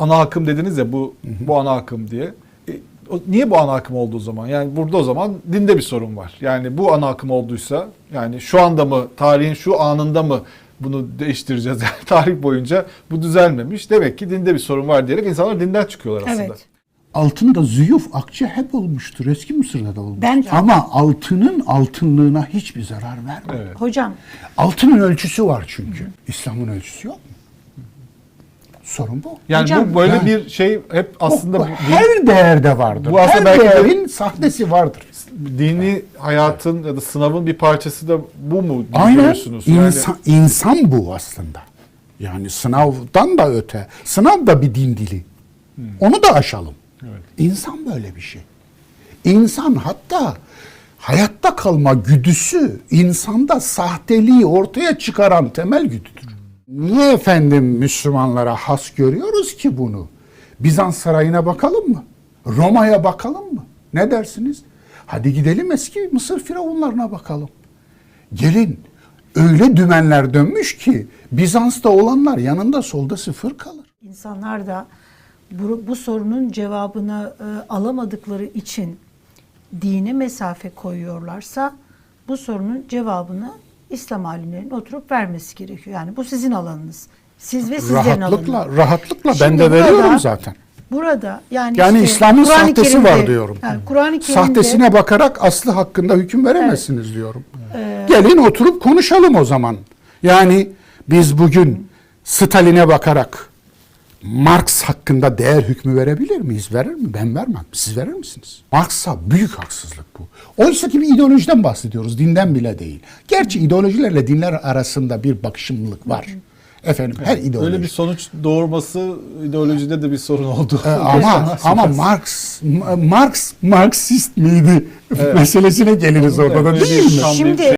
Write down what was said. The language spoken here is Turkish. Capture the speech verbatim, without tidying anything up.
ana akım dediniz ya bu hı hı. bu ana akım diye. E, o, niye bu ana akım oldu o zaman? Yani burada o zaman dinde bir sorun var. Yani bu ana akım olduysa yani şu anda mı tarihin şu anında mı bunu değiştireceğiz? Yani tarih boyunca bu düzelmemiş. Demek ki dinde bir sorun var diyerek insanlar dinden çıkıyorlar aslında. Evet. Altında züyuf, akçe hep olmuştur. Eski Mısır'da da olmuştur. Ben... Ama altının altınlığına hiçbir zarar vermiyor. Evet. Hocam. Altının ölçüsü var çünkü. İslam'ın ölçüsü yok mu? Sorun bu. Yani Hocam, bu böyle yani, bir şey hep aslında... bu, bu, her değerde vardır. Bu aslında her belki değerin sahnesi vardır. Dini hayatın ya da sınavın bir parçası da bu mu Aynen. diyorsunuz? İnsan, yani... insan bu aslında. Yani sınavdan da öte. Sınav da bir din dili. Hmm. Onu da aşalım. Evet. İnsan böyle bir şey. İnsan hatta hayatta kalma güdüsü insanda sahteliği ortaya çıkaran temel güdüdür. Niye efendim Müslümanlara has görüyoruz ki bunu? Bizans sarayına bakalım mı? Roma'ya bakalım mı? Ne dersiniz? Hadi gidelim eski Mısır firavunlarına bakalım. Gelin öyle dümenler dönmüş ki Bizans'ta olanlar yanında solda sıfır kalır. İnsanlar da bu, bu sorunun cevabını e, alamadıkları için dine mesafe koyuyorlarsa bu sorunun cevabını İslam alimlerinin oturup vermesi gerekiyor. Yani bu sizin alanınız. Siz ve sizlerin rahatlıkla, alanınız. Rahatlıkla Şimdi ben de burada, veriyorum zaten. Burada yani, yani işte, İslam'ın Kur'an-ı sahtesi Kerim'de, var diyorum. Yani Kur'an-ı Kerim'de, sahtesine bakarak aslı hakkında hüküm veremezsiniz evet. diyorum. Ee, Gelin oturup konuşalım o zaman. Yani biz bugün Stalin'e bakarak Marx hakkında değer hükmü verebilir miyiz? Verir mi? Ben vermem. Siz verir misiniz? Marx'a büyük haksızlık bu. Oysa ki bir ideolojiden bahsediyoruz. Dinden bile değil. Gerçi ideolojilerle dinler arasında bir bakışımlılık var. Efendim her evet, ideoloji. Öyle bir sonuç doğurması ideolojide de bir sorun oldu. Ee, ama ama Marx Marx Marksist miydi? Evet. Meselesine geliriz orada da değil mi? Şimdi